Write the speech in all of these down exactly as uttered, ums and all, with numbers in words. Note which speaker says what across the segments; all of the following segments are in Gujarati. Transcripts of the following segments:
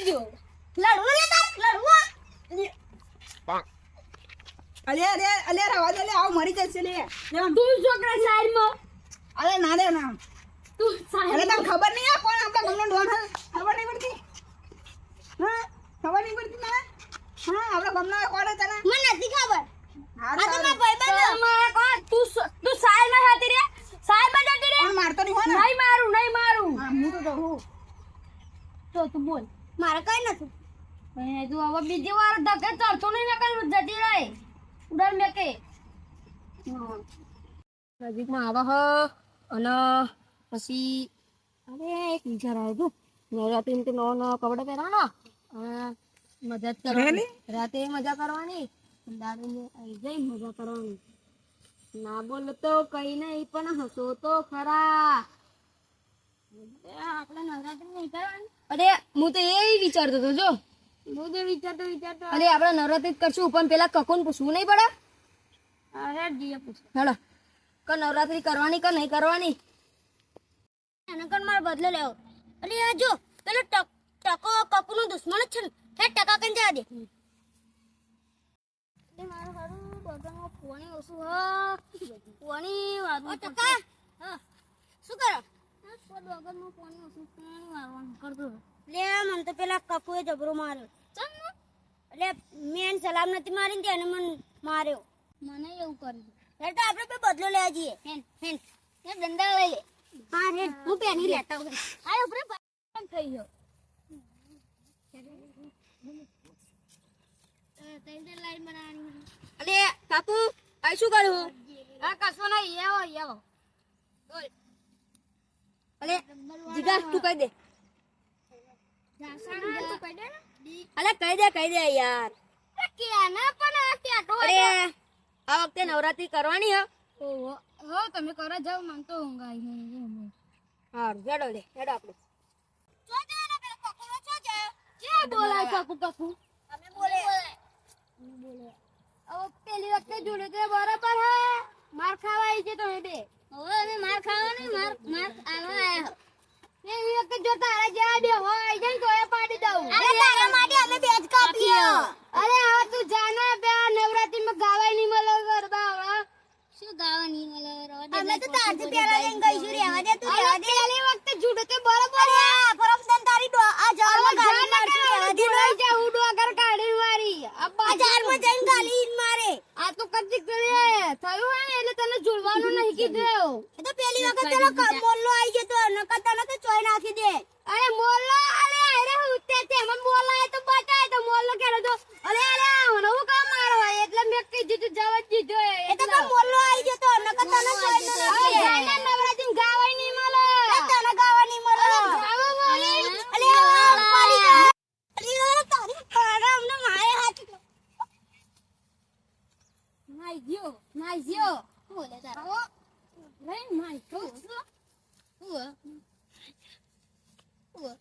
Speaker 1: જો લડવું લે તાર લડવું
Speaker 2: અલે અલે અલે રવા દે લે આવ મરી જશે લે
Speaker 1: તું છોકરા સાઈડ માં
Speaker 2: અરે ના રે ના
Speaker 1: તું સાઈડ
Speaker 2: અરે તને ખબર નહીં આ કોણ આપણા ગમનો ડોન હે ખબર નહીં પડતી હા ખબર નહીં પડતી ના હા આપણા ગમનો કોણ હે તને
Speaker 1: મને નથી ખબર
Speaker 2: હા
Speaker 1: આ તો મારા ભાઈબંધ મારા કોણ તું તું સાઈડ માં હતી રે સાઈડ માં જતી રે
Speaker 2: કોણ મારતો નહીં હો ને
Speaker 1: નહીં મારું નહીં મારું
Speaker 2: હા હું તો કહું
Speaker 1: તો તું બોલ મારે કઈ નથી એ તું હવે બીજી વાર ધકે ચડતો નહીં ને કઈ જતી રહે ઉડાડ મે કે નજીકમાં આવા હ અને પછી અરે એક વિચાર આવ્યો તું રાતે એમ કે નવો નવો કપડા પહેરવાનો અને મજા જ કરવાની રાતે મજા કરવાની દારૂ આવી જઈ મજા કરવાની ના બોલો તો કઈ નહીં પણ હસો તો ખરા આપણે નવરાત્રી નહીં કરવાની અરે હું તો એ વિચારતો હતો જો હું તો વિચારતો વિચારતો અરે આપણે નવરાત્રી જ કરશું પણ પેલા કકોને પૂછવું નહીં પડે અરે જીએ પૂછ હેલો કે નવરાત્રી કરવાની કે નહીં કરવાની એના કર માર બદલો લેવો અરે આ જો પેલો ટકો કપૂનો દુશ્મન જ છે ને હે ટકા કન જા દે એ મારો હારું બગમાં પોણી ઓછું હ પોણી વાળું ટકા હા શું કરો બગમાં પોણી ઓછું પોણી વાળવાનું કરતો લે મન તો પેલા કપૂએ જબરો માર્યો ચમ એટલે મેન સલામ નથી મારીને તેને મન માર્યો મને એવું કર્યું એટલે તો આપણે બે બદલો લેવા જઈએ હેન હેન એ દંડા લઈ લે હા રે હું પેની લેતા હું આ ઉપર થઈ ગયો અલે કાપુ આ શું કરું આ કસો નહીં આવો આવો બોલ અલે જીગા તું કહી દે અલે કહી દે કહી દે યાર કે ના પણ આ ટેટો અરે આ વખતે નવરાત્રી કરવાની હે ઓહો હો તમે કરવા જાવ મન તો ઊંઘ આવી હે હા જડો લે જડો આપણે જો જો ને પેલા કકુનો જો જો કે બોલાય કકુ કકુ અમે બોલે બોલે હવે પેલી વખતે જોડે તો બરાબર હે માર ખાવા આવી છે તો હે બે હવે અમે માર ખાવા નહીં માર માર આવા આયા પેલી વખતે જો તારા જેવા બે હોય જઈ તો એ પાડી દઉં અરે તારા માટે અમે બેજ કાપીએ અરે હવે તું જાના બે નવરાત્રીમાં ગાવાય નહીં મળે ગરબા હવે શું ગાવા નહીં મળે અમે તો તારથી પેલા લઈને ગઈશું રેવા દે તું રેવા દે પેલી વખતે જોડે તો બરાબર હે પરમસન તારી ડો આ જારમાં ગાલી મારશું રેવા દે લઈ જા હું ડોગર કાઢી મારી આ બજારમાં જઈને ગાલી મારે આ તો કદી કરે થયું હે ને એટલે તને જોડવાનું નહીં કીધું એ તો પેલી વખત તેનો મોલ્લો આવી ગયો તો નકર તને તો ચોય નાખી દે અરે મોલ્લો અરે અરે ઉતે તે મન બોલાય તો બતાય તો મોલ્લો કેરો તો અરે અરે મને હું કામ મારો એટલે મે કીધું તું જવા દીધો એ તો મોલ્લો આવી ગયો તો નકર તને ચોય નાખી દે જાને નવરાત્રી ગાવાય નહીં મળે તને ગાવા નહીં મળે ગાવા મળે અરે પાડી અરે તારી પાડા અમને મારે હાથ માઈ ગયો માઈ ગયો બોલે તારા લઈ માઈ ગયો ઉવા ઉવા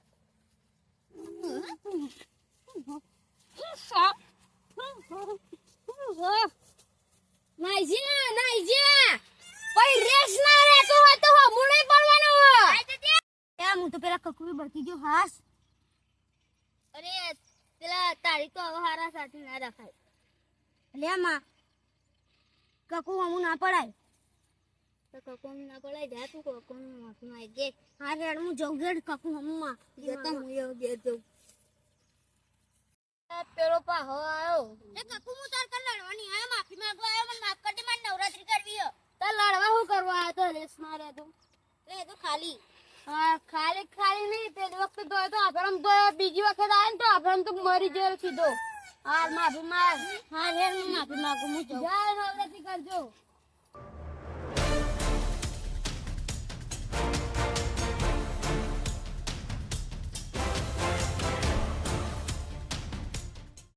Speaker 1: ઉવા નાઈજી ના નાઈજી કોઈ રેસ ના રહેતો હોય તો હમું નહીં પડવાનું હોય એ હું તો પેલા કકુઈ બળકી ગયો હાસ અરે પેલા તારી તો હવે હારા સાથે ના રખાય લે માં કકુ હમું ના પડાય તો કકુ ના પડાય જા તું કકુ માફી માં દે હા રેડ હું જઉં રેડ કકુ હમું માં જતા હું એવું દે જઉં પેલો પાહો આયો એ કકુ હું તાર કર લડવાની આયો માફી માંગવા આયો મને માફ કરી દે મારે નવરાત્રી કરવી હે તાર લડવા હું કરવા આયો તો રેસ મારે તો લે તો ખાલી હા ખાલી ખાલી નહીં પેલી વખતે તો તો આપણ તો બીજી વખત આયો ને તો આપણ તો મરી ગયો સીધો હાલ માફી માંગ હા રેડ હું માફી માંગુ હું જય નવરાત્રી કરજો